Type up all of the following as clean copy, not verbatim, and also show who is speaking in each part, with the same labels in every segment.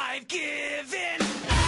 Speaker 1: I've given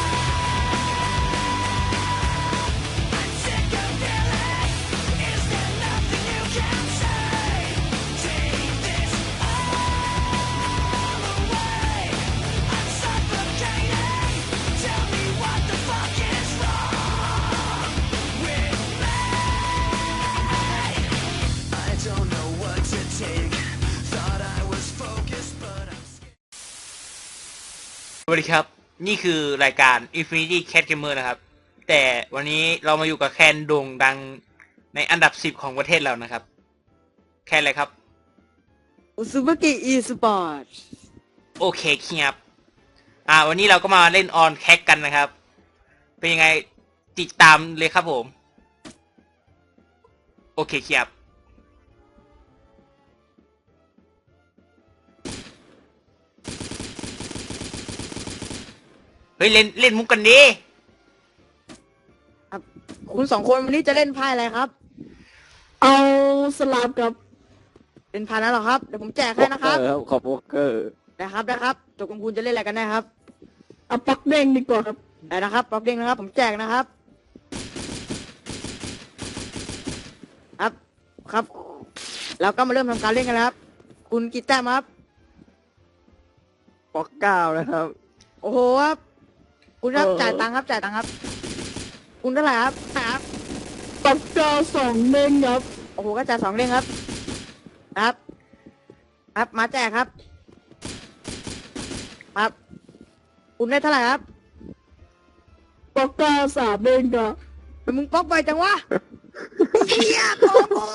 Speaker 2: สวัสดีครับนี่คือรายการ Infinity Cat Gamer นะครับแต่วันนี้เรามาอยู่กับแคนโด่งดังในอันดับ10ของประเทศเรานะครับแคนอะไรครับ
Speaker 3: อุซุบะกิอีสปอร์ต
Speaker 2: โอเคครับวันนี้เราก็มาเล่นออนแคกกันนะครับเป็นยังไงติดตามเลยครับผมโอเคครับเฮ้ยเล่นมุกกันดิ
Speaker 3: ครับคุณสองคนวันนี้จะเล่นไพ่อะไรครับ
Speaker 4: เอาสลับกับ
Speaker 3: เล่นไพ่นั้นเหรอครับเดี๋ยวผมแจกให้นะครับ
Speaker 4: ขอบวอกเกอร์
Speaker 3: ได้ครับตกลงคุณจะเล่นอะไรกันแน่ครับ
Speaker 4: เอาปักเด้งดีกว่าครับ
Speaker 3: ได้นะครับป๊อกเด้งนะครับผมแจกนะครับครับเราก็มาเริ่มทำการเล่นกันแล้วครับคุณกี่แต้มครับ
Speaker 4: ปักเก้านะครับ
Speaker 3: โอ้โหครับคุณครับจ่ายตังค์ครับคุณเท่าไหร่ครับ
Speaker 4: ปักเก้าสองเด้งครับ
Speaker 3: โอ้โหก็จ่าย2เด้งครับครับมาแจกครับคุณได้เท่าไหร่ครับ
Speaker 4: ปักเก้าสามเด้งครับ
Speaker 3: มึงป๊อกไปจังวะเฮียโกโก้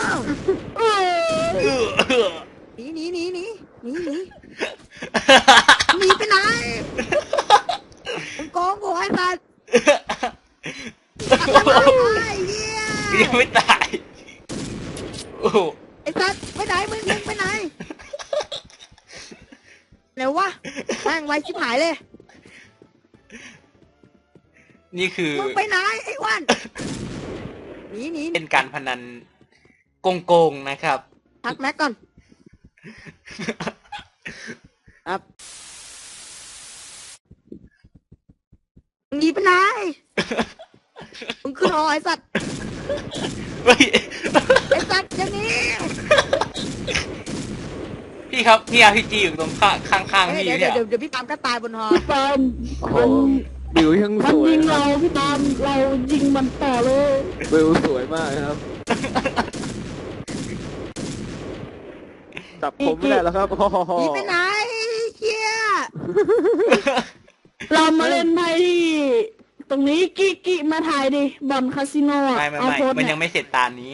Speaker 3: หนีไปไหนมึงโกงกูให้ตัดไอ้เฮีย
Speaker 2: ยังไม่ตายโอ้โห
Speaker 3: ไอ้ตัดไปไหนมึงไปไหนเร็ววะแม่งไวชิบหายเลย
Speaker 2: นี่คือ
Speaker 3: มึงไปไหนไอ้วันหนี
Speaker 2: เป็นการพนันโกงนะครับ
Speaker 3: ทักแม็กก่อนครับมึงหนีไปไหนมึงขึ้นหอไอ้สัตว์
Speaker 2: เฮ้ย
Speaker 3: ไอ้สัตว์อย่างนี้
Speaker 2: พี่ครับพี่อาร์พีจีอยู่ตรงข้างพี่
Speaker 3: เดี๋ยว
Speaker 2: เนี่ย
Speaker 3: เดี๋ยวพี่ปามก็ตายบนหอ
Speaker 4: พี่ปามบิวยังสวยยิงเราพี่ปามเรายิงมันต่อเลยบิวสวยมากครับจับผมไม่ได้แล้วครับ
Speaker 3: หนีไปไหนเชี่ย
Speaker 4: เรามาเล่นไพ่ที่ตรงนี้กิมาถ่ายดิบอลคาสิโนอ่ะ
Speaker 2: ไม่
Speaker 4: เอาโพส
Speaker 2: มัน
Speaker 4: เนี่
Speaker 2: ยังไม่เสร็จตานี้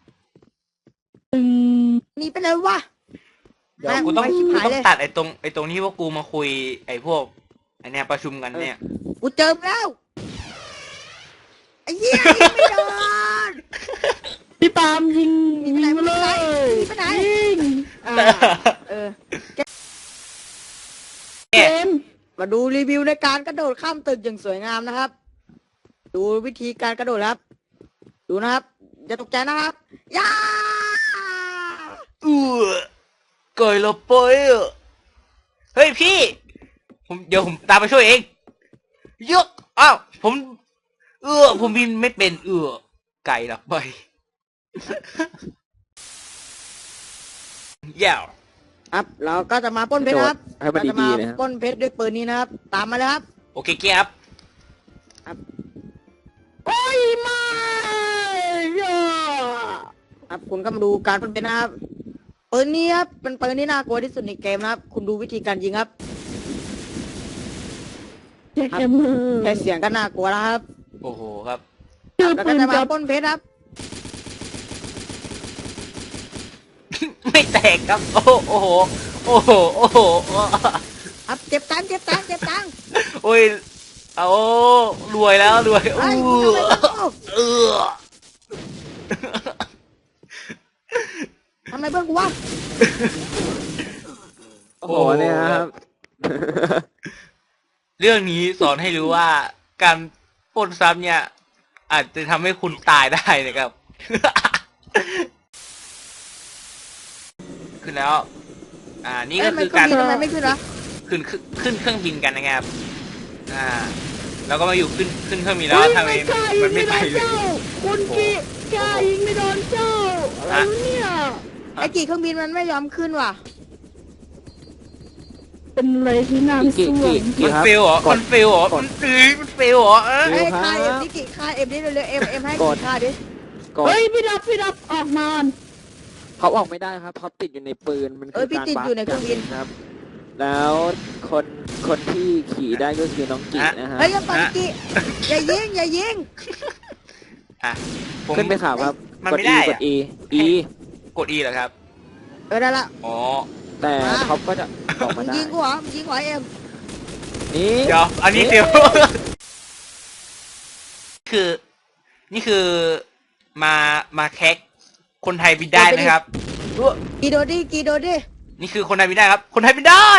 Speaker 3: หนีไปเลยวะ
Speaker 2: เดี๋ยวกูต้องตัดไอ้ตรงที่พวกกูมาคุยไอ้พวกไอ้เนี่ยประชุมกันเนี่ย
Speaker 3: กูเจอแล้วไอ้เหี้ยยิงไม่โดน
Speaker 4: พี่ปามยิง
Speaker 3: หนีไปไหน
Speaker 4: มาเลย
Speaker 3: หนีไปไหน
Speaker 4: ยิง เกม
Speaker 3: มาดูรีวิวในการกระโดดข้ามตึกอย่างสวยงามนะครับ ดูวิธีการกระโดดครับ ดูนะครับอย่าตกใจนะครับย่า
Speaker 2: ก่อยเราปอยเฮ้ยพี่เดี๋ยวผมตามไปช่วยเองยกอ้าวผมบินไม่เป็นไก่หลับไปยาว
Speaker 3: ครับเราก็จะมาปล้นเพชรนะครับ
Speaker 4: ให้มัน
Speaker 3: เราจะ
Speaker 4: ดี
Speaker 3: มา
Speaker 4: ๆนะครับ
Speaker 3: ปล้นเพชรด้วยปืนนี้นะครับ ตามมาเลยครับ
Speaker 2: โอเคครับ
Speaker 4: โอ้ยมาย่า
Speaker 3: ครับคุณก็มาดูการปล้นเพชรนะครับปืนนี้ครับเป็นปืนที่น่ากลัวที่สุดในเกมนะครับ คุณดูวิธีการยิงครับ
Speaker 4: แจ็คแอมเมอร์
Speaker 3: แค่เสียงก็น่ากลัวแล้วครับ
Speaker 2: โอ้โหครับ
Speaker 4: คือ
Speaker 3: แล้ว
Speaker 4: ปื
Speaker 3: ก็
Speaker 4: น
Speaker 3: จะมา
Speaker 4: จับ
Speaker 3: ปล้นเพชรครับ
Speaker 2: ไม่แตกครับโอ้โหโอ้โห
Speaker 3: ครับเจ็บตังค์
Speaker 2: โอ้ยเอารวยแล้วรวย
Speaker 3: ไอ้คุณทำอะไรเพื่อนกูวะ
Speaker 4: โอ้โหเนี่ยครับ
Speaker 2: เรื่องนี้สอนให้รู้ว่าการปล้นทรัพย์เนี่ย อาจจะทำให้คุณตายได้นะครับ ขึ้นแล้ว นี่ก็คือการ
Speaker 3: ทำไมไม่ขึ้นวะ
Speaker 2: ขึ้นเครื่องบินกันนะครับแล้วก็มาอยู่ขึ้นเครื่องบินแล้วทำไมมันไม่ไปเลย
Speaker 4: คุณกีกล้ายิงไม่โดนเจ้าอะไรวะเนี่ย
Speaker 3: ไอ้กี่เครื่องบินมันไม่ยอมขึ้นว่ะ
Speaker 4: เป็นอะไรที่น่าสวง
Speaker 2: มันเฟลเหรอมันเฟลเหรอมันเฟลเหรอ
Speaker 3: เอ้ยค่าเอ็มนี่กี่ค่าเอ็มนี่เร็วๆเอ็มให้กี่ค่าดิ
Speaker 4: เฮ้ยพี่ดับออกมา
Speaker 1: เขาออกไม่ได้ครับเขาติดอยู่ในปืนมันคือ
Speaker 3: พี่
Speaker 1: การ
Speaker 3: ติดอยู่ในเครื่องบิน
Speaker 1: ครับ แล้วคนที่ขี่ได้ก็คือน้องกินะฮะ
Speaker 3: เฮ้ยยังปันกี่อย่ายิง
Speaker 1: ขึ้นไปข่าวครับ
Speaker 2: มัน
Speaker 1: กด
Speaker 2: ไม่
Speaker 1: E
Speaker 2: ได้
Speaker 1: กด E E
Speaker 2: กด E เหรอครับ
Speaker 3: ได้ละ
Speaker 2: อ๋อ
Speaker 1: แต่เขาก็จะออก
Speaker 3: มึ
Speaker 1: มาง ได้
Speaker 3: ยิงกูเหรอมึงยิงหัวเอ็ม
Speaker 1: นี่
Speaker 2: เดี๋ยวอันนี้เฟลนี่คือมาแคกคนไทยบินได้นะครับ
Speaker 3: กีโดดิ
Speaker 2: นี่คือคนไทยบินได้ครับ คนไทยบินได้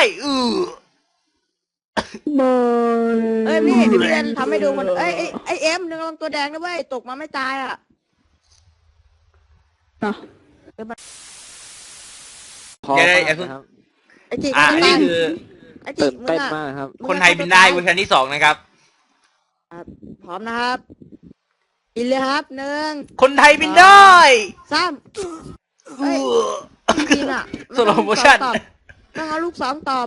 Speaker 4: บอย
Speaker 3: เอ้ยพี่เรียนทำให้ดูมันไอเอ็มนึงลงตัวแดงนะเว้ยตกมาไม่ตายอ่ะ
Speaker 1: พอ
Speaker 2: เดี๋ยว
Speaker 1: มาก
Speaker 2: เดี๋ยว
Speaker 1: นะครับ
Speaker 3: ไอจี
Speaker 2: นี่คือ
Speaker 3: ไอจี
Speaker 1: ตื่น
Speaker 3: มึง
Speaker 1: เต้น
Speaker 3: อะ
Speaker 1: มากครับ
Speaker 2: คนไทยบินได้เวอร์ชันที่2นะครับ
Speaker 3: พร้อมนะครับกินเลยครับหนึ่ง
Speaker 2: คนไทยบินได้
Speaker 3: สามเฮ้ยจริงอ่ะ
Speaker 2: สโลโมชั่น
Speaker 3: ต้องเอาลูกสองตอบ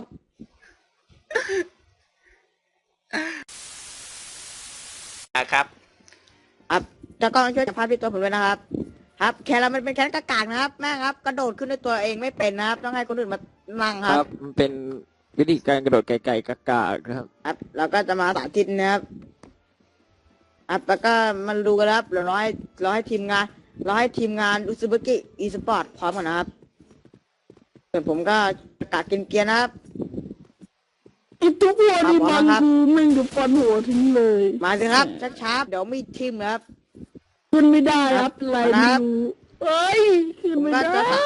Speaker 2: ครับ
Speaker 3: จะกล้องช่วยจับภาพที่ตัวผมด้วยนะครับ ครับแค่เรามันเป็นแค่กากากนะครับแม่ครับกระโดดขึ้นด้วยตัวเองไม่เป็นนะครับ ต้องให้คนอื่นมานั่งค
Speaker 1: ค
Speaker 3: รั
Speaker 1: รับ บมันเป็นวิธีการกระโดดไกลๆกากๆครับ
Speaker 3: ครับเราก็จะมาสาธิตนะครับแล้วก็มาดูกันครับเราให้ทีมงานอุซุบกิอีสปอร์ตพร้อมกันนะครับส่วนผมก็ประกาศเกียร์นะครับ
Speaker 4: ไอ้ทุกวันนี้มันคือแม่งจะฟันหัวทิ้งเลย
Speaker 3: มาสิครับช้าๆเดี๋ยวมีทีมนะครับ
Speaker 4: ขึ้นไม่ได้ครับอะไรไม่รู้เอ้ยขึ้น
Speaker 3: ผม
Speaker 4: ไม่
Speaker 3: ก็
Speaker 4: ได้
Speaker 3: จะ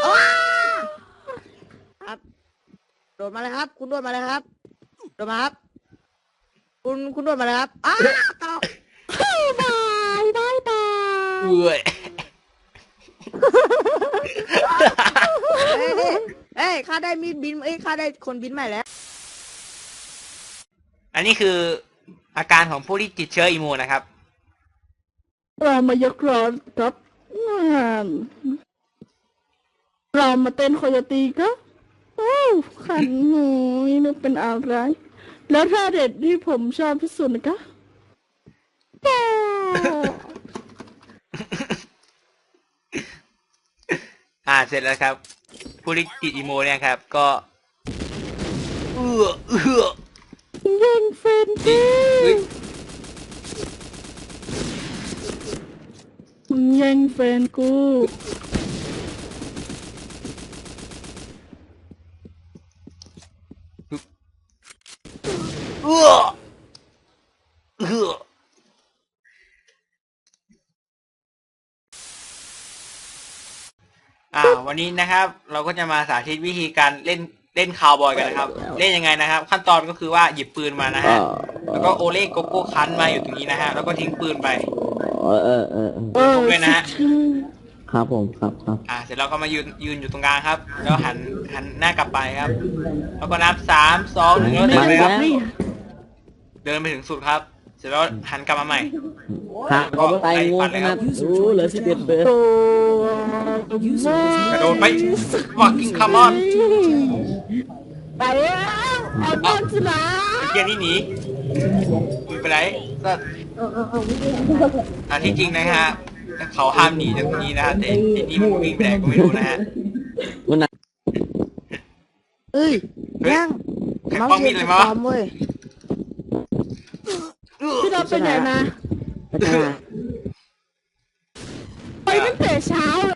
Speaker 3: ครับโดดมาเลยครับ คุณโดดมาเลยครับโดดมาครับ คุณโดดมาเลยครับตก
Speaker 4: บายบายบาย
Speaker 2: เอ้ย
Speaker 3: เอ้ยข้าได้มีดบินข้าได้คนบินใหม่แล้ว
Speaker 2: อันนี้คืออาการของผู้ที่ติดเชื้ออิมมูนนะครับ
Speaker 4: เรามายกร้อนครับงานเรามาเต้นโคโยตีครับโอ้ขันหนูนี่เป็นอะไร แล้วท่าเด็ดที่ผมชอบที่สุดนะคะ
Speaker 2: เสร็จแล้วครับ ผู้ที่ติดอิมมูนเนี่ยครับ ก็
Speaker 4: ยิงเฟนตี
Speaker 2: เฮ้ย
Speaker 4: มึงแย่งแฟนกู
Speaker 2: วันนี้นะครับ เราก็จะมาสาธิตวิธีการเล่นคาวบอยกันนะครับ เล่นยังไงนะครับ ขั้นตอนก็คือว่าหยิบปืนมานะฮะ แล้วก็โอเล่โกโก้คันมาอยู่ตรงนี้นะฮะ แล้วก็ทิ้งปืนไปด้วยนะฮะ
Speaker 1: ครับผมครับ
Speaker 2: เสร็จแล้วก็มายืนอยู่ตรงกลางครับ แล้วหันหน้ากลับไปครับ แล้วก็นับ3 2 1แล้วเดินไปครับ เดินไปถึงสุดครับ เสร็จแล้วหันกลับมาใหม่
Speaker 1: ก็ตายงูนะครับเหลือ11เบอร์
Speaker 2: กระโดดไป fucking come on
Speaker 4: ไปแล้วเอาบอลสลา
Speaker 2: เกียร์นี่หนีมึงไปไหนก็ที่จริงนะฮะเขาห้ามหนีจากตรงนี้นะฮะแต่นี่มันวิ่งไปไหนก็ไม่รู้นะฮะ
Speaker 3: เอ้ยยัง
Speaker 2: ใครป้องมีดเลยมั้
Speaker 3: ปลอมเว้ย
Speaker 4: พี่เราไปไหนมาไปตั้งแต่เช้า